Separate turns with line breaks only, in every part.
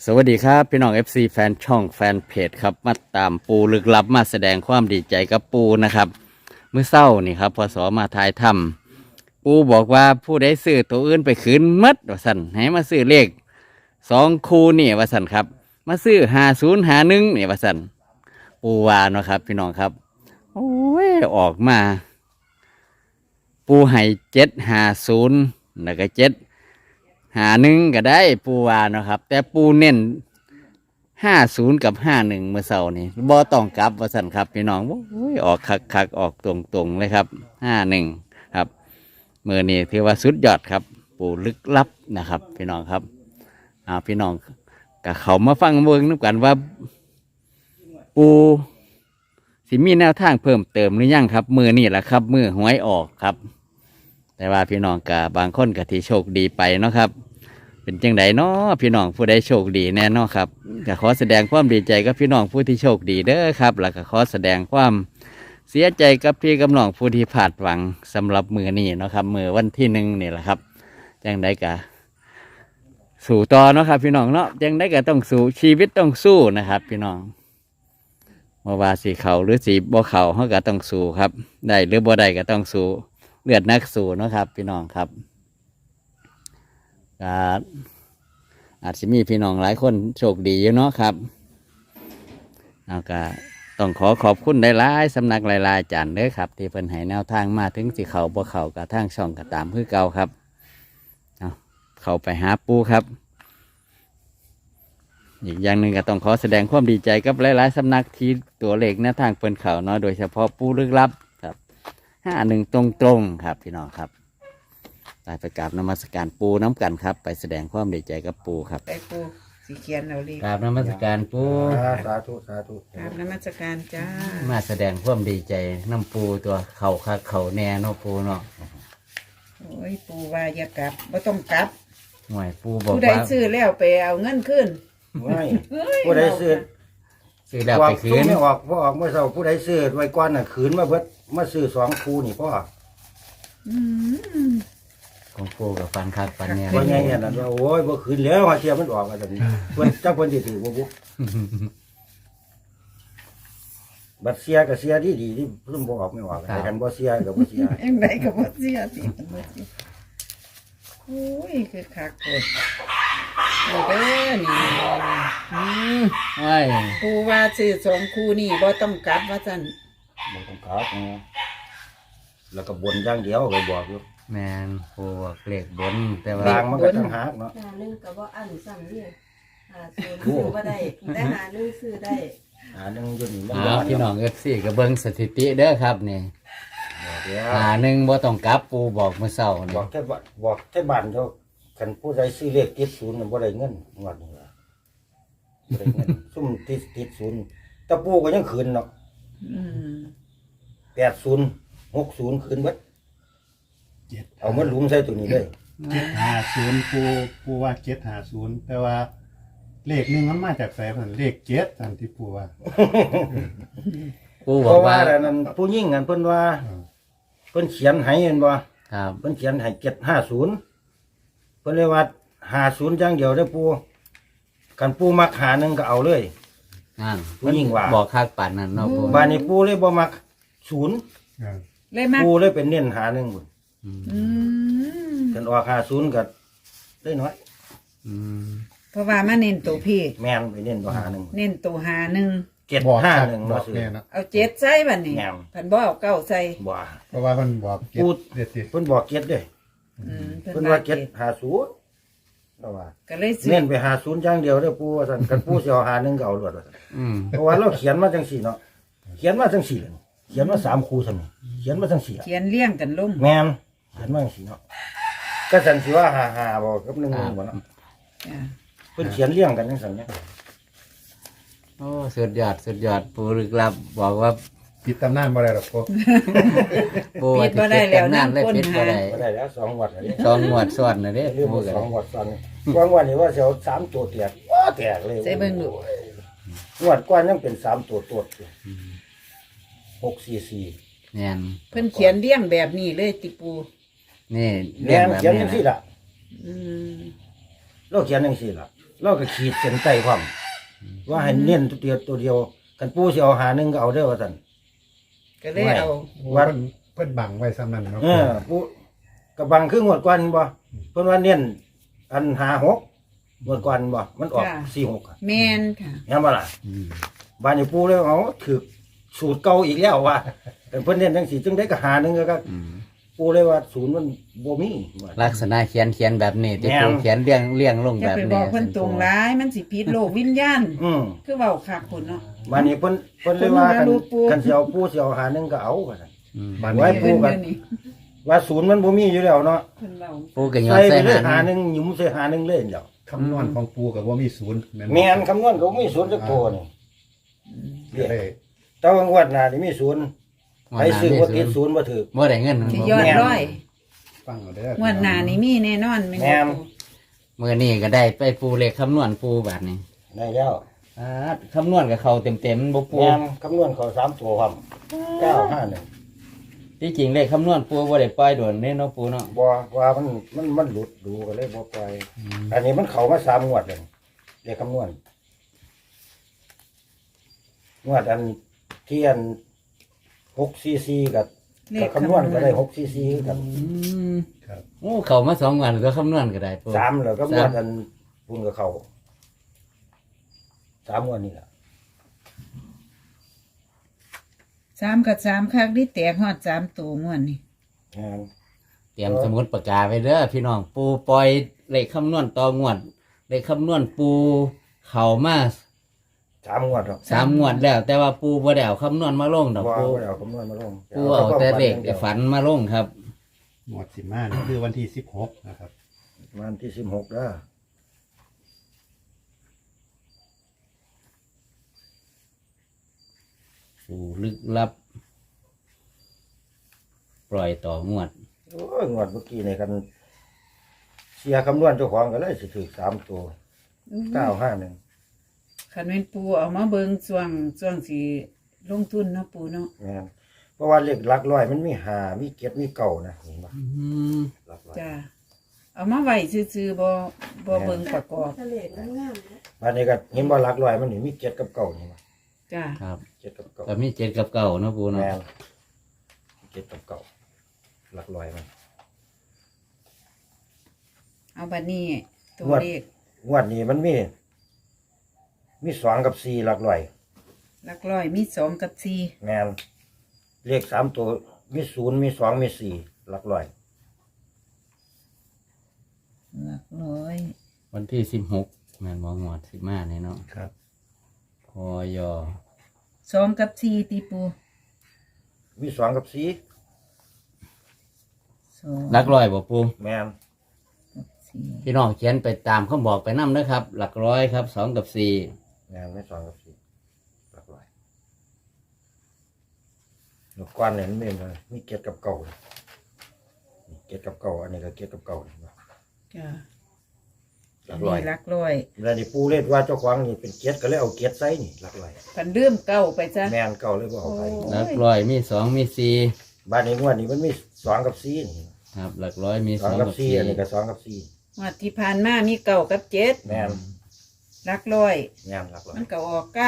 สวัสดีครับพี่น้อง FC แฟนช่องแฟนเพจครับมาตามปูลึกลับมาแสดงความดีใจกับปูนะครับเมื่อเช้านี่ครับพศมาทายถ้ำปูบอกว่าผู้ใดซื้อตัวอื่นไปคืนมัดว่าสันให้มาซื้อเลข2 คู่นี่ว่าสันครับมาซื้อ5051นี่ว่าสันปูว่าเนาะครับพี่น้องครับโอ้ยออกมาปูให้750แล้วก็751ก็ได้ปูวาเนาะครับแต่ปูเน้น50กับ51เมื่อเช้านี่บ่ต้องกลับว่าสั่นครับพี่น้องโอ้ยออกคักออกตรงเลยครับ51ครับมื้อนี้ถือว่าสุดยอดครับปูลึกลับนะครับพี่น้องครับพี่น้องก็เขามาฟังเบิ่งนํกันว่าปูสิมีแนวทางเพิ่มเติมหรือยังครับมื้อนี้ล่ะครับมื้อหวยออกครับแต่ว่าพี่น้องกับบางคนก็ที่โชคดีไปเนาะครับเป็นจังไดเนาะพี่น้องผู้ใดโชคดีแน่เนาะครับก็ขอแสดงความดีใจกับพี่น้องผู้ที่โชคดีเด้อครับแล้วก็ขอแสดงความเสียใจกับพี่กับน้องผู้ที่พลาดหวังสำหรับมือนี้เนาะครับมือวันที่1นี่แหละครับจังไดก็สู้ต่อเนาะครับพี่น้องเนาะจังไดก็ต้องสู้ชีวิตต้องสู้นะครับพี่น้องเมื่อว่าสีเขาหรือสีบ่เขาเขาก็ต้องสู้ครับได้หรือบ่ได้ก็ต้องสู้เลือดนักสู้เนาะครับพี่น้องครับอาจจะมีพี่น้องหลายคนโชคดีอยู่เนาะครับแล้วก็ต้องขอบคุณหลายๆสำนักหลายๆอาจารย์เด้อครับที่เพิ่นให้แนวทางมาถึงสิเขาบ่เขากับทางช่องก็ตามคือเก่าครับเข้าไปหาปูครับอีกอย่างหนึ่งก็ต้องขอแสดงความดีใจกับหลายๆสำนักที่ตัวเลขแนวทางเพิ่นเขาเนาะโดยเฉพาะปูลึกลับครับ51ตรงๆครับพี่น้องครับไปกราบนมัสการปูน้ำกันครับไปแสดงความดีใจกับปูครับ
ไปปูสีเขียนเอาเลย
กราบนมัสการปู
สาธุสาธุ
ครับนมัสการจ้า
มาแสดงความดีใจน้ำปูตัวเข่าคักเข่าแน่เนาะปูเนาะ
โอ้ยปูว่าอย่ากลับไม่ต้องกลับ
หน่วยปูบอกว่า
ผู้ใดซื้อแล้วไปเอาเงินขึ้น
ไม่ผู้ใดซื้อ
แล้วไปคืน
ไม่ออกเมื่อเช้าผู้ใดซื้อไว้ก่อนน่ะขืนมาเบิดมาซื้อ2 คู่นี่พ่อ
ของปูกับฟันคักฟันเนี่ย
ว่าไงเนี่ยนะว่าโอ้ยบ่ขืนแล้วเทียมันออกมาแบบนี้เพิ่นจักเพิ่นสิถือบ่บุบัดเสียก็เสียดีที่เพิ่นบ่ออกไม่ออกแต่กันบ่เสียก็บ่เสีย
เอ็งไหนก็บ่เสียสิโอ้ยคือคักเลยโอ้เด้อนี่ปูว่าซื้อ2 คู่นี่บ่ต้องกลับว่าซั่น
บ่ต้องกลับแล้วก็บนอย่างเดียวก็บอกอยู่
แมนปูบอกเลขบนแต่ว่า
ลางมันก็ต้องหักเนาะ
1ก็บ่อันซ้ำนี่ซื้อบ่ได้แต่1ซื้อได้
1อยู่นี่
พี่น้องFCก็เบิ่งสถิติเด้อครับนี่1บ่ต้องกลับปูบอกเมื่อเช้านี่
บอกแค่บ้านเท่าคันผู้ใดซื้อเลขติด0น่ะบ่ได้เงินงวดนี้ล่ะบ่ได้เงินซุ่มติด0แต่ปู่ก็ยังคืนเนาะ80 60คืนเบิดเอามันลุมใส่ตัวนี้เลย
750ปูว่า750แต่ว่าเลข1มันมาจากไสเพิ่นเลข7อันที่ปูว่า
ปูบอกว่า
นั่นผู้ยิ่งกันเพิ่นว่าเพิ่นเขียนให้เห็นบ่
ครับ
เพิ่นเขียนให้750เพิ่นเลยว่า50อย่างเดียวเด้อปู่คันปู่มัก51ก็เอาเลย
นั่น
ผู้ยิ่งว่า
บอกคักปานนั้นเนาะปู
บ้านนี้ปู่เลยบ่มัก0
เลยมัก
ปู่เลยเป็นเน้น51พุ่นกันออก50ก็ได้น้อย
เพราะว่ามาเน้นตัวพี่
แม่นไปเน้นตัว51
เน้นตัว51
751บ่ซื้อ
เอา7ใส่บัดนี้เพิ่นบ่เอา9ใส่
บ่
เพราะว่าเพิ่นบอก
7เพิ่นบอก7เด้เพิ่นว่า750แล้วว่า
ก็เลย
เน้นไป50อย่างเดียวเด้อปู่ว่าซั่นกันปู่สิเอา51ก็เอารวดว่าซั่นเพราะว่าเราเขียนมาจังซี่เนาะเขียนมาจังซี่เลยเขียนมา3 คู่ซั่นนี่เขียนมาจังซี่
เขียนเลี้ยงกันลง
แม่นเขียนมาจังซี่เนาะก็ซั่นสิว่า55บ่กับ1บ่เนาะเพิ่นเขียนเรียงกันจังซั่นเนี่ย
โอ้สุดยอดปูลึกลับบอกว่า
ปิดตำนานบ่ได้หรอก
ปูปิดบ่ได้แล้วน้ำเลยปิดบ่
ได้แล้ว2 งวดแล้ว
2 งวดซ้อนน่ะเด้
ปูก็2 งวดซ้อนกว่านี้ว่าสิเอา3 ตัวแตกแตกเลย
ใส่เบิ่งดู
งวดก่อนยังเป็น3 ตัวตดอยู่644
แม่น
เพิ่นเขียนเลี้ยงแบบนี้เลยติปู
นี่
เรียงเขียนจังซี่ล่ะเราเขียนจังซี่ล่ะเราก็ขีดเส้นใต้ความว่าให้เน้นตัวเดียวกันปูสิเอาหาหนึงก็เอาเด้อว่าซั่น
ก็เลยเอา
วัด
เพิ่นบังไว้ซ้ำนั้นเนาะ
ปูกระบังคืองวดก่อนบ่เพิ่นว่าเน้นอัน56งวดก่อนบ่มันออก46อะ
แม่นค่ะ
เห็นบ่ล่ะ
อืม
บ้านอยู่ปูเลยเอาถือสูตรเก่าอีกแล้วว่าแต่เพิ่นเน้นจังซี่จึงได้ก็หาหนึงก็
อืม
ปูเลยว่าศูนย์มันบ่มีว่า
ลักษณะเขียนแบบนี้ที่
แม่น
ปูเขียนเรียงลง
จะ
แบบ
ไปบ
นี้
อกเพิ่นตรงร้ายมันสิผิดโลกวิญญาณ
อืม
คือเว้าคักพุ่นเนาะ
บ้านนี้เพิ่นเลยว่ากัน
เพิ่นรู้ปู
กันสิเอาปูสิเอาหาหนึงก็เอาว่าซั่น
อืม
บ้าน
ไว้
นี้
ปูกัน
เพิ่นเดี๋ยวนี้
ว่าศูนย์มันบ่มีอยู่แล้วเนาะ
เพิ่นเว้า
ปูก็ย้อน
ใส่ไป
ใส่
เลยหา
หา
ห
ห
นึ
นึ่ง
งหยุมใส่หาหนึงเลยเดียว
คำนวณของปูกับว่ามีศูนย์
แม่นคำนวณก็บ่มีศูนย์จักตัวนี่
ก็ได้
แต่ว่างวดหน้านี่มีศูนย์ใครซื้อบ่ติดศูนย์บ่ถูก
บ่ได้เงิน
สิยอด
แม่น
ร้อย
ฟังเอาเด้อง
วดหน้านี่มีแน่นอนแม่น
แม่น
บ่
มื้อนี้ก็ได้ไปปูเลขคำนวณปูแบบนี้
ได้แล้ว
คำนวณกับเขาเต็มๆบ่ปู
แม่นคำนวณเขา3ตัวครับ951
ที่จริงเลขคำนวณปูบ่ได้ปล่อยโดนเด้เนาะปูเนาะ
บ่ว่ามันหลุดดูก็เลยบ่ปล่อยอันนี้มันเข้ามา3งวดแล้วเลขคำนวณงวดอันที่อัน6cc กับคำนวณก็ได้6cc กับ
อืม
ครับ
โอ้เขามา2วันก็คำนวณก็ได้ปู
3แล้วก็งวดอันพุ่นกับเขา3งวดนี่ล่ะ
3กับ3คักนี่แตกฮอด3ตัวม่วนนี่
งาน
เตรียมสมุดปากกาไว้เด้อพี่น้องปูปล่อยเลขคำนวณต่องวดเลขคำนวณปูเข้ามา
3งวดหรอก
3งวดแล้ว แต่ว่าปูบ่ได้เอาคำนวณมาลงดอก
บ่
ปู
เอาคำนวณมาลง
ปูเอาแต่เลขแต่ฝันมาลงครับ
หมวดสิมานี่คือวันที่16นะครับ
วันที่16เด้อ
ปูลึกลับ ปล่อยต่องวด
โอ้ยงวดเมื่อกี้นี่กันเสียคำนวณเจ้าของก็เลยสิถูก3ตัว951
คันแม่นปูเอามาเบิ่งช่วงสิลงทุนเนาะปูเนาะ
แม่นเพราะว่าเลขหลักร้อยมันมี5มี7มี9นะเห็นบ่
อืม
หลักร้อย
จ้าเอามาไว้ซื่อๆบ่เบิ่งประกอบ
ทะเลมันงามนะ
บัดนี้ก็เห็นบ่หลักร้อยมันนี่มี7กับ9นี่บ่
จ้า
ครับ
7กับ
ก็มี7กับ9เนาะปู
9
เนาะ
แม่น7กับ9หลักร้อยมัน
เอาบัดนี้ตัว
งวด
เลข
งวดนี้มันมี2กับ4หลักร้อย
หลักร้อยมี2กับ4
แม่นเลข3ตัวมี0มี2มี4หลักร้อย
หลักร้อย
วันที่16แม่นบ่งวด15นี่เนาะ
ครับ
พอยอ
2กับ4ติปู
มี2กับ4
2
หลักร้อยบ่ปู
แม่น
กับ4
พี่น้องเขียนไปตามคำบอกไปนำนะครับ หลักร้อยครับ2กับ4
แม่นไม่2กับ4หลักร้อยลูกก้อนเนี่ยมันมี7กับ9นี่7กับ9อันนี้ก็7กับ9นี่บ่
จ้า
หลักร้อย
นี่หลักร้อย
แล้วนี่ปูเล่นว่าเจ้าของนี่เป็น7ก็เลยเอา7ใส่นี่หลักร้อย
คันลืมเก้าไปจ้ะ
แม่น9เลยบ่เอาไป
โอ้
หลักร้อยมี2มี4
บ้านนี้งวดนี้มันมี2กับ4นี่
ครับ หลักร้อยมี
2
2
กับ
กับ
4อันนี้ก็
4
2กับ4
งวดที่ผ่านมามีเก้ากับ7
แม่น
หลักร้อย
แม่นหลักร้อย
มันก็ออก951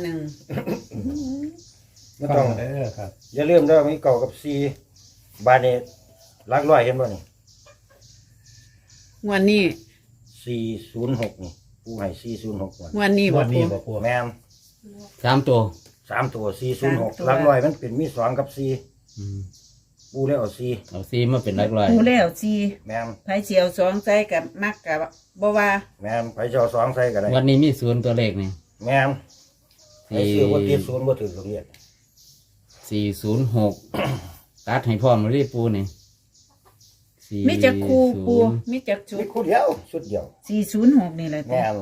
ไม่
ฟั
ต้อง ง
เอาเด้อครับ
อย่าลืมเด้อมี9กับ4บ้านนี้หลักร้อยเห็นบ่นี่
งวดนี้
406นี่ปูให้406ก่อน
งวดนี้
ง
บ่
วดนี้
ปู
บ่ปู
แม่น
3ตัว
3ตัว
สามตัว
406หลักร้อยมันเป็นมี2กับ4
อืม
ปูเลยเอา4
เอา4มาเป็นหลักร้อย
ปูแล้วสิ
แม่น
ไผสิเอา2ใส่กับมักกับบ่ว่า
แม่นไปเจ้า2ใส่ก็ได้
วันนี้มี0ตัวเลขนี่
แม่นไอ้ซื้อบ่ติด0บ่ถึงโรงเรียน
406 ตัดให้พร้อมเลยปูนี่
มีจักคู่ปูมีจักชุ
มี
ด
คู่เดียวชุดเดียว
406นี่แหละจ้ะ
แม่น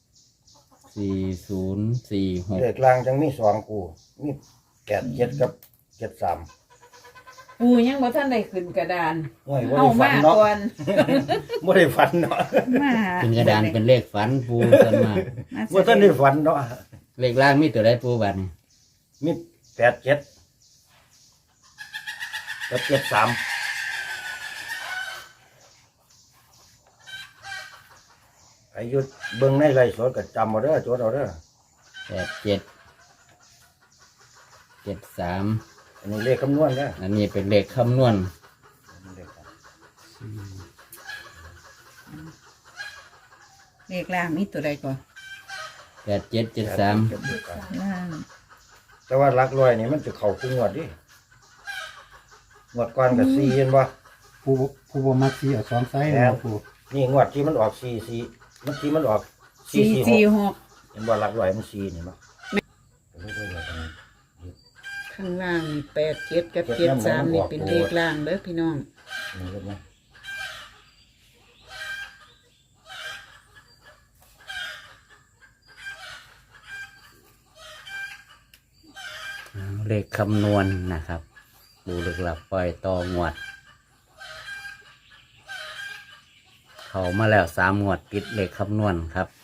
4046
เลขล่างจังมี2คู่มี87กับ73
ปูยังบ่ทันได้ขึ้นกระดาน
โอ้ยบ่
เอา
ได้ฝั
มาน
เนาะ
ก่อน
บ่ได้ฝันเนาะ
มาหา
เป็นกระดานเป็นเลขฝันปูกันมา
บ่ทันได้ฝันเนาะ
เลขล่างมีตัวใดปูบัดนี่
มี87กับ73 อายุเบิ่งในไร่สดก็จำเอาเด้อจดเอาเด้อ
87 73
อันนี้เลขคำนวณเด้อ
อันนี้เป็นเลขคำนวณ
เลขครับ
เลขล่างมีตัวใดก่อน
8773
ล่าง
แต่ว่าหลักร้อยนี่มันจะเข้าคู่งวดดิงวดก่อนก็4เห็นบ่
ผู้บ่มักสีเอา2ไซส์นะผู้
นี่งวดที่มันออก4เมื่อกี้มันออก
สี่
446
สี่หก
เห็นบ่หลักร้อยมัน4นี่บ่
ข้างล่างนี่87กับ73นี่เป็นเลขล่างเด้อพี่น้อง
นี่เห็นไหม
เลขคำนวณนะครับปูลึกลับปล่อยต่องวด เข้ามาแล้ว3 งวดติดเลขคำนวณครับ